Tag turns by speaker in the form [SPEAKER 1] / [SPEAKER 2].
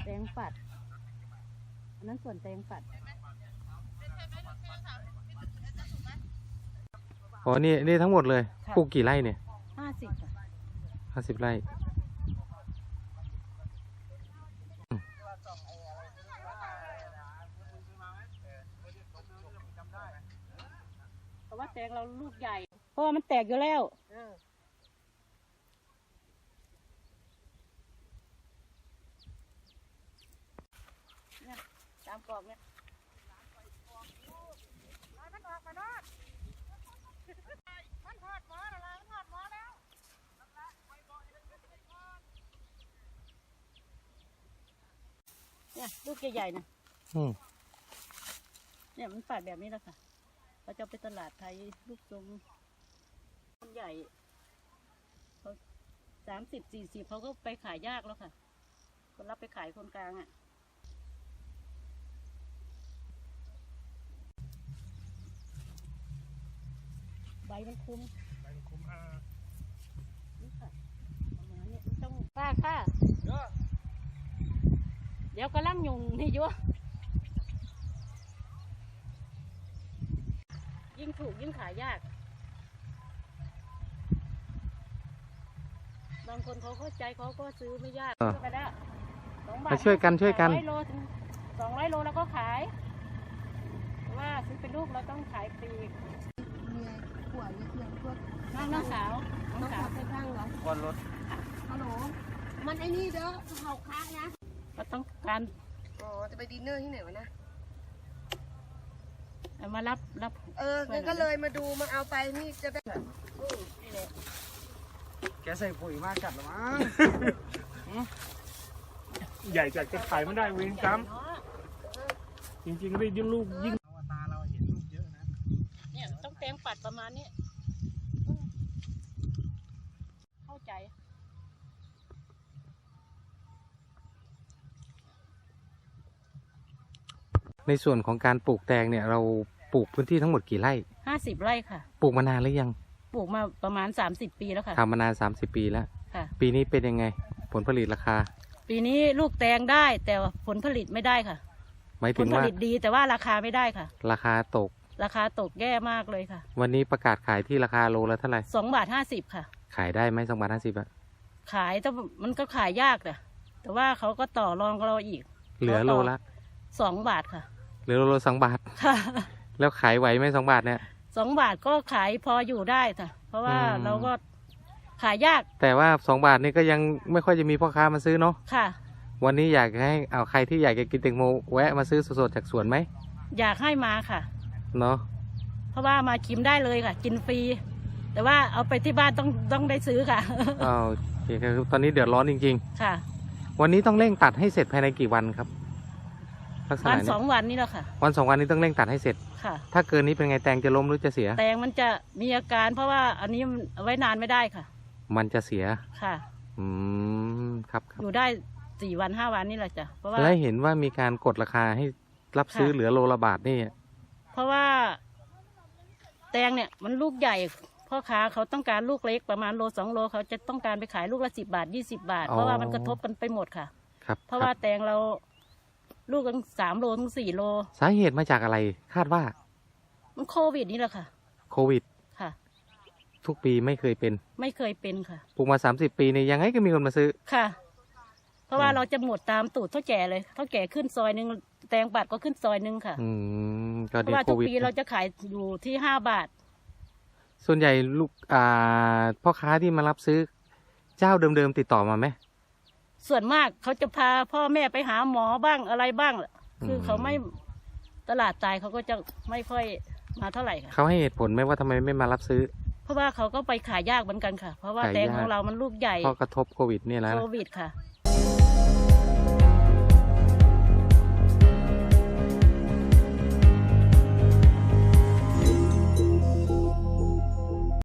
[SPEAKER 1] งปัดอันนั้นส่วนแตงปัด
[SPEAKER 2] อ๋อนี่ทั้งหมดเลยปลูกกี่ไร่เนี่ย
[SPEAKER 1] 50
[SPEAKER 2] ไร่
[SPEAKER 1] เพราะว่าแตงเราลูกใหญ่เพราะว่ามันแตกอยู่แล้วเนี่ยตามกรอบเนี่ยมันออกมาโนดมันหอดหมออะไรมันหอดหมอแล้วเนี่ยลูกใหญ่ๆนะเนี่ยมันปัดแบบนี้แหละค่ะเราจะไปตลาดไทยลูกทรงคนใหญ่เขา30-40เขาก็ไปขายยากแล้วค่ะคนรับไปขายคนกลางอ่ะใบมันคุ้มนี่ค่ะประมาณนี้ต้องค่ะเดี๋ยวกำลังยุงนี่ยั่วยิ่งถูกยิ่งขายยากบางคนเขาเข้าใจเขาก็ซื้อไม่ยากไปแล้ว
[SPEAKER 2] มาช่วยกัน
[SPEAKER 1] 200 โลถึง200 โลแล้วก็ขายเพราะว่าซื้อเป็นลูกเราต้องขายปลีกขวดเพื่อนพวกน้องสาวไปข้างเหรอ
[SPEAKER 2] ก้อนรถ
[SPEAKER 1] ฮัลโหลมันไอ้นี่เด้อเขาค้านะเราต้องการ
[SPEAKER 3] จะไปดินเนอร์ที่ไหนวะนะ
[SPEAKER 1] มารับ
[SPEAKER 3] งั้นก็เลยมาดูมาเอาไปนี่จะได้
[SPEAKER 1] นี่แหละ
[SPEAKER 2] แกใส่ปุ๋ยมากจัดหรอมั้ง
[SPEAKER 4] ใหญ่จัดจะขายไม่ได้เวรกรรมจริงๆได้ยิ่งลูกยิ่ง
[SPEAKER 2] ตาเราเห็นลูกเยอะนะ
[SPEAKER 1] เนี่ยต้องแตงปัดประมาณนี้เข้าใจ
[SPEAKER 2] ในส่วนของการปลูกแตงเนี่ยเราปลูกพื้นที่ทั้งหมดกี่ไร่
[SPEAKER 1] 50 ไร่ค่ะ
[SPEAKER 2] ปลูกมานานหรือยัง
[SPEAKER 1] ปลูกมาประมาณ30 ปีแล้วค่ะ
[SPEAKER 2] ทำมานาน30 ปีแล้ว
[SPEAKER 1] ค่ะ
[SPEAKER 2] ปีนี้เป็นยังไงผลผลิตราคา
[SPEAKER 1] ปีนี้ลูกแตงได้แต่ผลผลิตไม่ได้ค่ะ
[SPEAKER 2] หมายถึงว่า
[SPEAKER 1] ผลผลิตดีแต่ว่าราคาไม่ได้ค่ะ
[SPEAKER 2] ราคาตก
[SPEAKER 1] แย่มากเลยค่ะ
[SPEAKER 2] วันนี้ประกาศขายที่ราคาโลละเท่าไหร่
[SPEAKER 1] 2.50 ค่ะ
[SPEAKER 2] ขายได้ไหม2.50 บาท
[SPEAKER 1] ขายแต่มันก็ขายยากแต่ว่าเขาก็ต่อรองกับเราอีก
[SPEAKER 2] เหลือโลละ
[SPEAKER 1] 2 บาทค่ะ
[SPEAKER 2] เหลือโลละ2 บาท
[SPEAKER 1] ค่ะ
[SPEAKER 2] แล้วขายไหวไหม2 บาทเนี่ย
[SPEAKER 1] 2 บาทก็ขายพออยู่ได้ค่ะเพราะว่าเราก็ขายยาก
[SPEAKER 2] แต่ว่า2 บาทนี่ก็ยังไม่ค่อยจะมีพ่อค้ามาซื้อเนาะ
[SPEAKER 1] ค่ะ
[SPEAKER 2] วันนี้อยากให้เอาใครที่อยากจะกินแตงโมแวะมาซื้อสดๆจากสวนไหม
[SPEAKER 1] อยากให้มาค่ะ
[SPEAKER 2] เนาะ
[SPEAKER 1] เพราะว่ามาชิมได้เลยค่ะกินฟรีแต่ว่าเอาไปที่บ้านต้องได้ซื้อค่ะ
[SPEAKER 2] โอเคครับตอนนี้เดือดร้อนจริง
[SPEAKER 1] ๆค่ะ
[SPEAKER 2] วันนี้ต้องเร่งตัดให้เสร็จภายในกี่วันครับ
[SPEAKER 1] วัน2 วันนี้แหละค่ะ
[SPEAKER 2] วัน2 วันนี้ต้องเร่งตัดให้เสร็จ
[SPEAKER 1] ค่ะ
[SPEAKER 2] ถ้าเกินนี้เป็นไงแตงจะล้มหรือจะเสีย
[SPEAKER 1] แตงมันจะมีอาการเพราะว่าอันนี้ไว้นานไม่ได้ค่ะ
[SPEAKER 2] มันจะเสีย
[SPEAKER 1] ค่ะ
[SPEAKER 2] ครับ
[SPEAKER 1] อยู่ได้4 วัน 5 วันนี่แหละจ้ะเพราะว่า
[SPEAKER 2] แล้วเห็นว่ามีการกดราคาให้รับซื้อเหลือโลละบาทนี่
[SPEAKER 1] เพราะว่าแตงเนี่ยมันลูกใหญ่พ่อค้าเขาต้องการลูกเล็กประมาณโล2 โลเขาจะต้องการไปขายลูกละ10 บาท20 บาทเพราะว่ามันกระทบกันไปหมดค่ะ
[SPEAKER 2] ครับ
[SPEAKER 1] เพราะว่าแตงเราลูกตั้ง3 โลถึง4 โล
[SPEAKER 2] สาเหตุมาจากอะไรคาดว่า
[SPEAKER 1] มันโควิดนี่แหละค่ะ
[SPEAKER 2] โควิด
[SPEAKER 1] ค่ะ
[SPEAKER 2] ทุกปีไม่เคยเป็น
[SPEAKER 1] ค่ะ
[SPEAKER 2] ปลูกมา30 ปีนี่ยังไงก็มีคนมาซื้อ
[SPEAKER 1] ค่ะเพราะว่าเราจะหมดตามตูดเท่าแก่เลยเท่าแก่ขึ้นซอยนึงแตงปัดก็ขึ้นซอยนึงค่ะเพราะว่าทุกปีเราจะขายอยู่ที่5 บาท
[SPEAKER 2] ส่วนใหญ่ลูกพ่อค้าที่มารับซื้อเจ้าเดิมๆติดต่อมาไหม
[SPEAKER 1] ส่วนมากเขาจะพาพ่อแม่ไปหาหมอบ้างอะไรบ้างคือเขาไม่ตลาดตายเขาก็จะไม่ค่อยมาเท่าไหร่ค่ะ
[SPEAKER 2] เขาให้เหตุผลไหมว่าทำไมไม่มารับซื้อ
[SPEAKER 1] เพราะว่าเขาก็ไปขายยากเหมือนกันค่ะเพราะว่าแตงของเรามันลูกใหญ่
[SPEAKER 2] เพราะกระทบโควิดนี่แหละ
[SPEAKER 1] โควิดค่ะ